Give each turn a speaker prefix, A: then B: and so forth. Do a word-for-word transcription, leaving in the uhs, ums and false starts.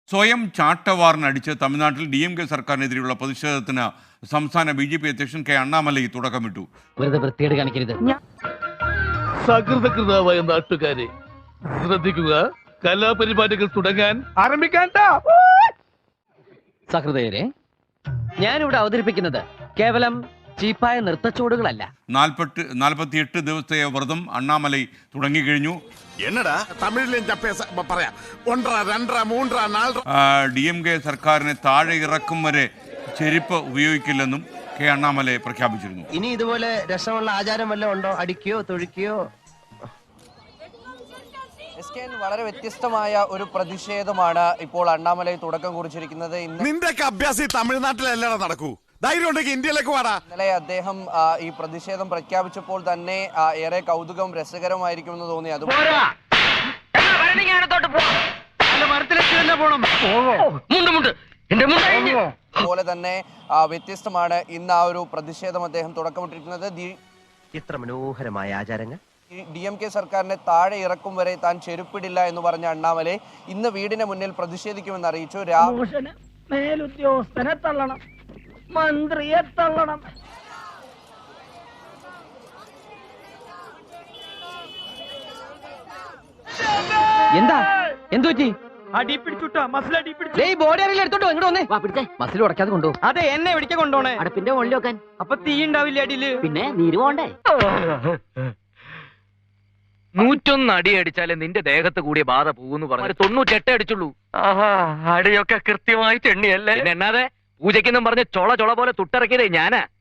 A: സ്വയം ചാട്ടവാറിനടിച്ച് തമിഴ്നാട്ടിൽ D M K സർക്കാരിനെതിരെയുള്ള പ്രതിഷേധത്തിന് സംസ്ഥാന ബി ജെ പി അധ്യക്ഷൻ കെ അണ്ണാമലൈ തുടക്കമിട്ടു.
B: വെറുതെ വൃത്തിയേട് കാണിക്കരുത്.
C: സകൃതകൃതാവായ നാട്ടുകാരെ ശ്രദ്ധിക്കുക, കലാപരിപാടികൾ തുടങ്ങാൻ ആരംഭിക്കാൻ.
B: സഹൃദയരെ, ഞാനിവിടെ അവതരിപ്പിക്കുന്നത് കേവലം ചീപ്പായ നൃത്തച്ചുവടുകളല്ല.
A: നാൽപ്പത്തി നാൽപ്പത്തിയെട്ട് ദിവസത്തെ വ്രതം അണ്ണാമലൈ തുടങ്ങിക്കഴിഞ്ഞു.
D: എന്നടാ തമിഴിലും പറയാം. ഒന്നര രണ്ടര മൂന്നര നാലര
A: ഡി എം കെ സർക്കാരിനെ താഴെ ഇറക്കും വരെ ചെരുപ്പ് ഉപയോഗിക്കില്ലെന്നും കെ അണ്ണാമലൈ പ്രഖ്യാപിച്ചിരുന്നു.
E: ഇനി ഇതുപോലെ രസമുള്ള ആചാരം വല്ലതും ഉണ്ടോ? അടിക്കുകയോ തൊഴിക്കുകയോ?
F: വളരെ വ്യത്യസ്തമായ ഒരു പ്രതിഷേധമാണ് ഇപ്പോൾ അണ്ണാമലൈ തുടക്കം കുറിച്ചിരിക്കുന്നത്.
D: നിന്റെ അഭ്യാസം തമിഴ്നാട്ടിലല്ലടാ നടക്കൂ. ധൈര്യം ഉണ്ടെങ്കിൽ ഇന്ത്യയിലേക്ക് വാടാ.
F: ഇന്നലെ അദ്ദേഹം ഈ പ്രതിഷേധം പ്രഖ്യാപിച്ചപ്പോൾ തന്നെ ഏറെ കൗതുകം രസകരമായിരിക്കുമെന്ന് തോന്നി. അതുപോലെ തന്നെ വ്യത്യസ്തമാണ് ഇന്ന് ആ ഒരു പ്രതിഷേധം അദ്ദേഹം തുടക്കമിട്ടിരിക്കുന്നത്.
E: ഇത്ര മനോഹരമായ ആചാരങ്ങൾ
F: ഡി എം കെ സർക്കാരിനെ താഴെ ഇറക്കും വരെ താൻ ചെരുപ്പിടില്ല എന്ന് പറഞ്ഞ അണ്ണാമലൈ ഇന്ന് വീടിന് മുന്നിൽ പ്രതിഷേധിക്കുമെന്ന് അറിയിച്ചു.
G: മേലുദ്യോഗസ്ഥനെ തള്ളണം, മന്ത്രിയെ തള്ളണം.
B: എന്താ എന്തു പറ്റി?
G: അടി പിടിച്ചുട്ടോ, മസിൽ അടി പിടിച്ചു.
B: ബോഡി അറിയില്ല, എടുത്തോട്ടോ ഇങ്ങോട്ട് വന്നേ. മസിൽ ഉടക്കാതെ കൊണ്ടു.
G: അതെ, എന്നെ എവിടേക്ക് കൊണ്ടോണേ?
B: അടുപ്പിന്റെ മുകളിൽ വെക്കാൻ.
G: അപ്പൊ തീ ഉണ്ടാവില്ല അടിയില്?
B: പിന്നെ നീര് പോണ്ടേ?
H: നൂറ്റൊന്ന് അടി അടിച്ചാലേ നിന്റെ ദേഹത്ത് കൂടിയ ബാധ പോകുന്നു പറഞ്ഞു. തൊണ്ണൂറ്റെട്ട് അടിച്ചുള്ളൂ. ആഹാ, അടിയൊക്കെ കൃത്യമായിട്ട് എണ്ണിയല്ലേ. എന്നാതെ പൂജയ്ക്കെന്നും പറഞ്ഞ് ചൊള ചൊള പോലെ തുട്ടിറക്കിയതേ ഞാനാ.